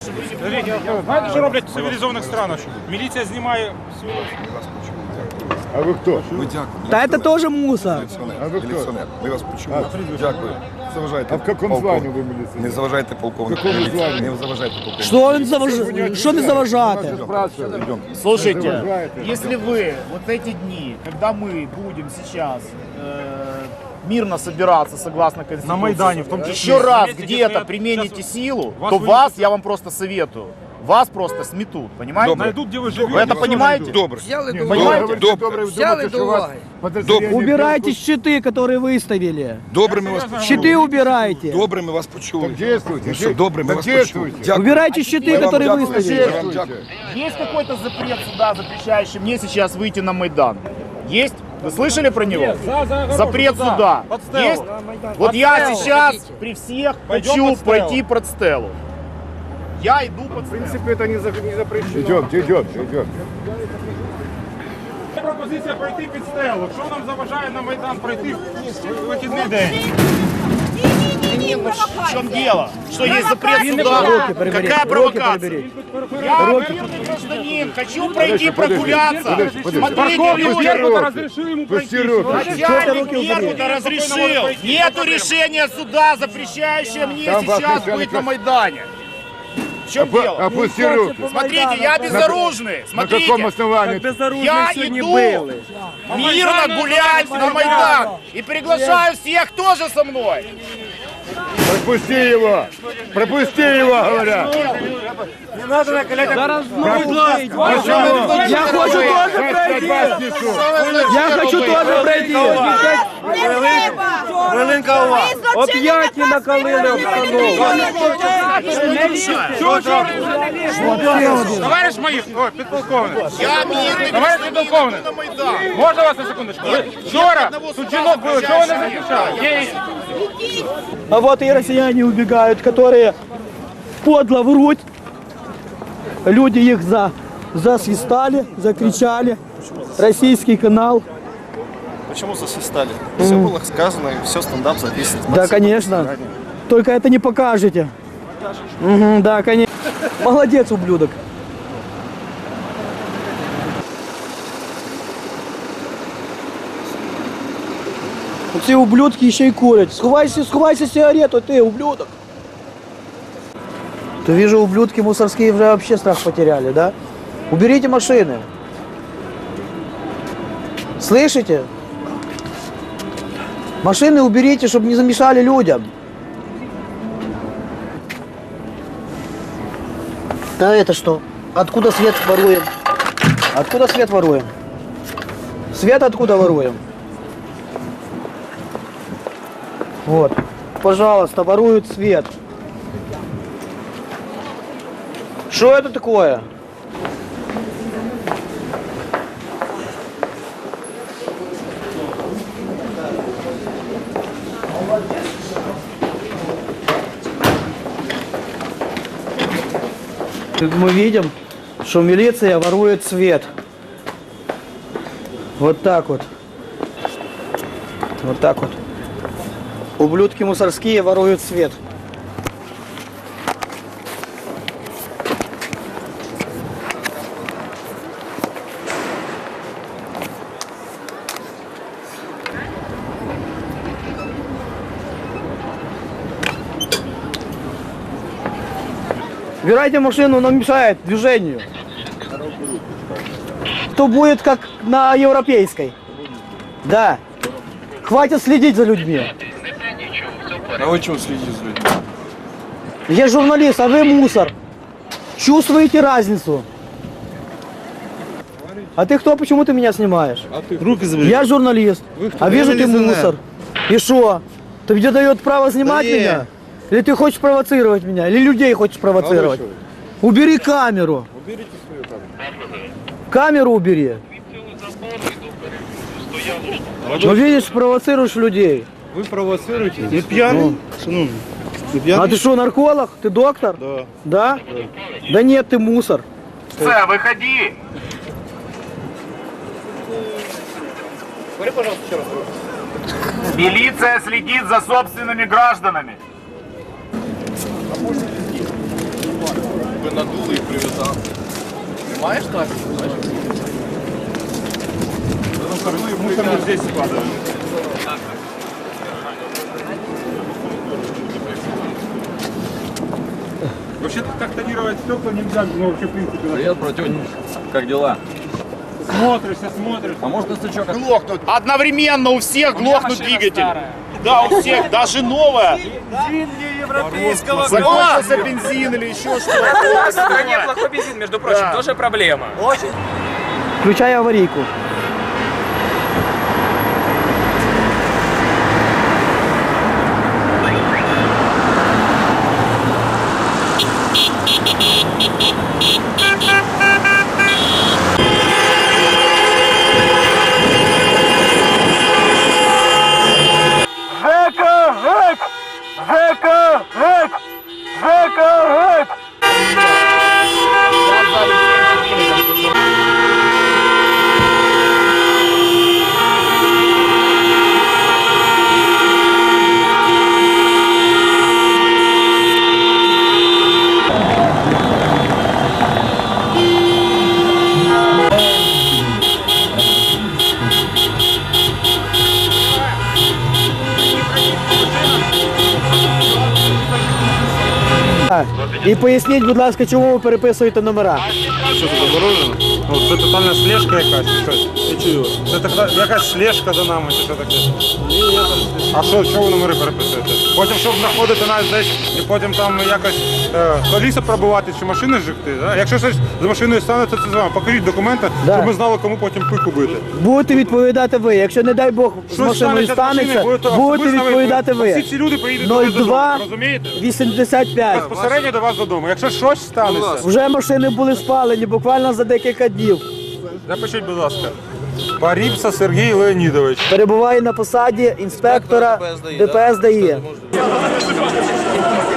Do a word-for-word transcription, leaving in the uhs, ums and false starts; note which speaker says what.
Speaker 1: Знаєте, що роблять в цивілізованих странах? Міліція знімає всю...
Speaker 2: А ви хто?
Speaker 3: Ми дякуємо.
Speaker 4: Да это тоже мусор.
Speaker 3: Міліціонер. Міліціонер. Ми вас почули. Дякую. Заважайте.
Speaker 2: А в каком звании вы милиционер?
Speaker 3: Не заважайте полковнику.
Speaker 2: В каком звании?
Speaker 3: Не заважайте полковнику.
Speaker 4: Что он заваж... Что не заважати?
Speaker 5: Слушайте, если вы вот эти дни, когда мы будем сейчас э, мирно собираться согласно Конституции,
Speaker 1: На Майдане в том числе.
Speaker 5: еще раз
Speaker 1: Заметьте,
Speaker 5: где-то
Speaker 1: если я
Speaker 5: примените
Speaker 1: сейчас
Speaker 5: силу,
Speaker 1: вас
Speaker 5: то
Speaker 1: вынесут-
Speaker 5: вас, я вам просто советую, вас просто сметут, понимаете?
Speaker 1: Найдут, где вы живете.
Speaker 5: Вы это
Speaker 1: всё
Speaker 5: понимаете?
Speaker 1: найдут.
Speaker 3: Добре.
Speaker 4: Взяли до
Speaker 5: Понимаете?
Speaker 3: Добре.
Speaker 4: Взяли до уваги. Убирайте щиты, которые выставили.
Speaker 3: Добре, ми вас почули.
Speaker 4: Щиты убирайте.
Speaker 3: Добре, ми вас почули.
Speaker 2: Так действуйте.
Speaker 3: Ну що, добре, ми
Speaker 2: Так
Speaker 3: вас почули.
Speaker 2: действуйте.
Speaker 3: Дякую.
Speaker 4: Убирайте щиты,
Speaker 3: Ми вам
Speaker 4: которые
Speaker 3: дякуємо.
Speaker 4: выставили.
Speaker 3: Ми вам дякуємо.
Speaker 5: Есть какой-то запрет суда, запрещающий мне сейчас выйти на Майдан? Есть? Вы слышали про него?
Speaker 1: За- за огорожу
Speaker 5: Запрет
Speaker 1: туда,
Speaker 5: суда.
Speaker 1: под стелу.
Speaker 5: Есть? Вот я
Speaker 1: стелу.
Speaker 5: сейчас при всех
Speaker 1: Пойдем
Speaker 5: хочу
Speaker 1: под стелу.
Speaker 5: пойти под стелу. Я иду под стелу.
Speaker 2: это не запрещено. Идемте, идемте, идемте.
Speaker 1: Пропозиція пройти під стелу. Що нам заважає на Майдан пройти в вихідний день?
Speaker 5: В чем дело? Что есть запрет суда?
Speaker 4: Руки прибери,
Speaker 5: Какая
Speaker 4: руки
Speaker 5: провокация?
Speaker 4: прибери.
Speaker 5: Я мирный гражданин, хочу пройти прогуляться.
Speaker 2: подожди, подожди.
Speaker 5: Смотрите,
Speaker 1: Парковку
Speaker 5: люди.
Speaker 1: Беркута разрешил ему пройти.
Speaker 2: Пусти руки.
Speaker 5: Начальник Беркута разрешил. Нету решения суда, запрещающего мне
Speaker 2: Там вас
Speaker 5: сейчас
Speaker 2: начальник-
Speaker 5: быть на Майдане. В чем дело?
Speaker 2: Опусти руки.
Speaker 5: Смотрите, я безоружный.
Speaker 2: На каком
Speaker 5: Смотрите.
Speaker 2: основании?
Speaker 5: Я иду мирно гулять на Майдан и приглашаю всех тоже со мной.
Speaker 2: Пропусти его! Пропусти его, говорят!
Speaker 4: Я хочу тоже пройти. Я хочу тоже пройти.
Speaker 6: Хвилинка уваги.
Speaker 4: Оп'яті накалили обстановку.
Speaker 1: Товариш моїх, ой, підполковник.
Speaker 5: Я мирный
Speaker 1: Товариш
Speaker 5: гражданин,
Speaker 1: підполковник,
Speaker 5: иду на Майдан.
Speaker 1: можна вас на секундочку? Ви Вчора тут жінок було, чого не захищали? Є-
Speaker 4: А вот и россияне убегают, которые подло врут. Люди их за, засвистали, закричали. Российский канал.
Speaker 6: Почему засвистали? Все было сказано, и все, стендап записан.
Speaker 4: Да, конечно. Только это не покажете. Мгм, да, конечно. Молодец, ублюдок. Ці ублюдки ще й курять. Сховайся, сховайся сигарету, ти, ублюдок. То вижу, ублюдки мусорские уже вообще страх потеряли, да? Уберите машины. Слышите? Машины уберите, чтобы не замешали людям. Да это что? Откуда свет воруем? Откуда свет воруем? Свет откуда воруем? Вот. Пожалуйста, воруют свет. Что это такое? Мы видим, что милиция ворует свет. Вот так вот. Вот так вот. Ублюдки мусорские воруют свет. Убирайте машину, нам мешает движению. То будет как на европейской. Да. Хватит следить за людьми.
Speaker 6: А вы чего следите за людьми?
Speaker 4: Я журналист, а вы мусор. Чувствуете разницу? А ты кто? Почему ты меня снимаешь?
Speaker 6: Руки забери.
Speaker 4: Я журналист. А вижу ты мусор. И что? Ты тебе дает право снимать
Speaker 6: Да не.
Speaker 4: меня? Или ты хочешь провоцировать меня? Или людей хочешь провоцировать? Убери камеру.
Speaker 2: Уберите свою камеру.
Speaker 4: Камеру убери. Ну видишь, провоцируешь людей.
Speaker 6: Вы провоцируете? Вы пьяный? Ну, вы
Speaker 4: А
Speaker 6: пьяный?
Speaker 4: ты что, нарколог? Ты доктор?
Speaker 6: Да.
Speaker 4: Да? Да нет, ты мусор.
Speaker 5: Милиция, выходи! Милиция следит за собственными гражданами.
Speaker 6: Понимаешь, так?
Speaker 1: Мусор вот здесь складываем. Вообще-то так тонировать стекла нельзя, ну вообще в принципе.
Speaker 7: Привет, братюнь. Как дела?
Speaker 1: Смотришься, смотришь.
Speaker 7: А может на стычок?
Speaker 5: Одновременно у всех глохнут двигатель. Да, у всех, даже новая. Закончился бензин или еще что-то.
Speaker 8: У нас в стране плохой бензин, между прочим,
Speaker 5: Да.
Speaker 8: тоже проблема.
Speaker 4: Включай аварийку.
Speaker 1: Жека, Жек! Жека, Жек! Жека, Жек!
Speaker 4: І поясніть, будь ласка, чому ви переписуєте номера?
Speaker 1: Що це заборонено? Ну, це тотальна слежка якась, чи щось. Я чую. Це така, якась слежка за нами, чи що таке? А що, що ви номери переписуєте? Потім, щоб знаходити нас десь, і потім там якось е, коліса пробувати, чи машини жигти, да? Якщо щось з машиною станеться, це з вами. Покажіть документи,
Speaker 4: Да.
Speaker 1: щоб ми знали, кому потім пику бити.
Speaker 4: Будете відповідати ви. Якщо, не дай Бог, з
Speaker 1: Щось
Speaker 4: машиною
Speaker 1: станеться з машиною,
Speaker 4: станеться,
Speaker 1: будете
Speaker 4: будете
Speaker 1: особисто
Speaker 4: відповідати
Speaker 1: Всі
Speaker 4: ви.
Speaker 1: ці люди приїдуть до вас
Speaker 4: нуль
Speaker 1: додому,
Speaker 4: два
Speaker 1: розумієте?
Speaker 4: вісімдесят п'ять.
Speaker 1: Безпосередньо до вас додому. Якщо щось станеться,
Speaker 4: Вже машини були спалені буквально за декілька днів.
Speaker 1: запишіть, будь ласка. Паріпса Сергій Леонідович.
Speaker 4: Перебуває на посаді інспектора ДПС ДАІ.